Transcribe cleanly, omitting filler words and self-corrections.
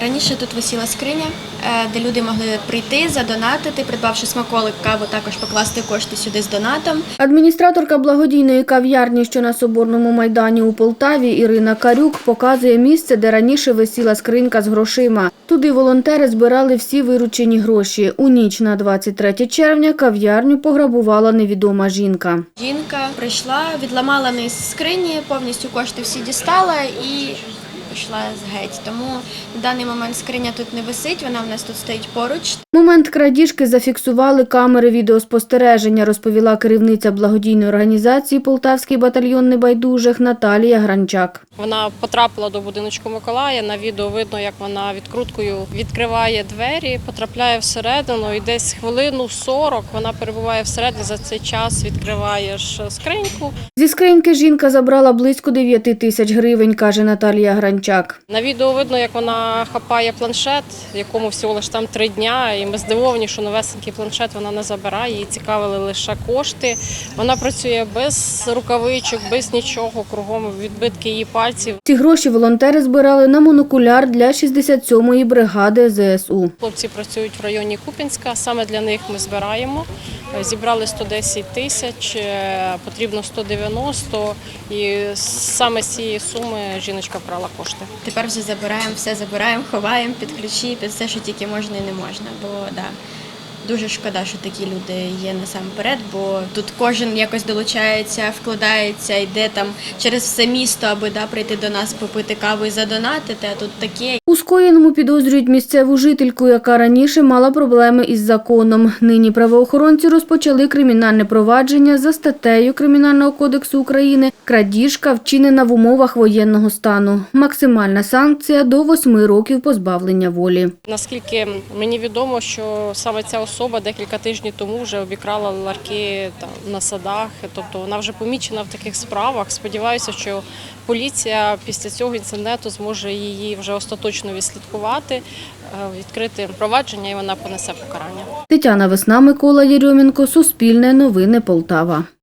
Раніше тут висіла скриня, де люди могли прийти, задонатити, придбавши смаколик, каву, також покласти кошти сюди з донатом. Адміністраторка благодійної кав'ярні, що на Соборному майдані у Полтаві, Ірина Карюк, показує місце, де раніше висіла скринька з грошима. Туди волонтери збирали всі виручені гроші. У ніч на 23 червня кав'ярню пограбувала невідома жінка. Жінка прийшла, відламала низ скрині, повністю кошти всі дістала і пішла геть. Тому на даний момент скриня тут не висить, вона в нас тут стоїть поруч. Момент крадіжки зафіксували камери відеоспостереження, розповіла керівниця благодійної організації «Полтавський батальйон небайдужих» Наталія Гранчак. Вона потрапила до будиночку Миколая, на відео видно, як вона відкруткою відкриває двері, потрапляє всередину і десь хвилину 40 вона перебуває всередині, за цей час відкриваєш скриньку. Зі скриньки жінка забрала близько 9 тисяч гривень, каже Наталія Гранчак. На відео видно, як вона хапає планшет, якому всього лише там 3 дня, і ми здивовані, що новесенький планшет вона не забирає, її цікавили лише кошти. Вона працює без рукавичок, без нічого, кругом відбитки її пальців. Ці гроші волонтери збирали на монокуляр для 67-ї бригади ЗСУ. Хлопці працюють в районі Куп'янська, саме для них ми збираємо. Зібрали 110 тисяч, потрібно 190, і саме з цієї суми жіночка брала кошти. Тепер вже забираємо, все забираємо, ховаємо під ключі, під все, що тільки можна і не можна. Бо дуже шкода, що такі люди є насамперед, бо тут кожен якось долучається, вкладається, йде там через все місто, аби прийти до нас, попити каву і задонатити, а тут таке. У скоєному підозрюють місцеву жительку, яка раніше мала проблеми із законом. Нині правоохоронці розпочали кримінальне провадження за статтею Кримінального кодексу України «Крадіжка, вчинена в умовах воєнного стану». Максимальна санкція – до 8 років позбавлення волі. Наскільки мені відомо, що саме ця особа декілька тижнів тому вже обікрала ларки на садах, тобто вона вже помічена в таких справах. Сподіваюся, що поліція після цього інциденту зможе її вже остаточно відслідкувати, відкрити провадження і вона понесе покарання. Тетяна Весна, Микола Єрьомінко, Суспільне новини, Полтава.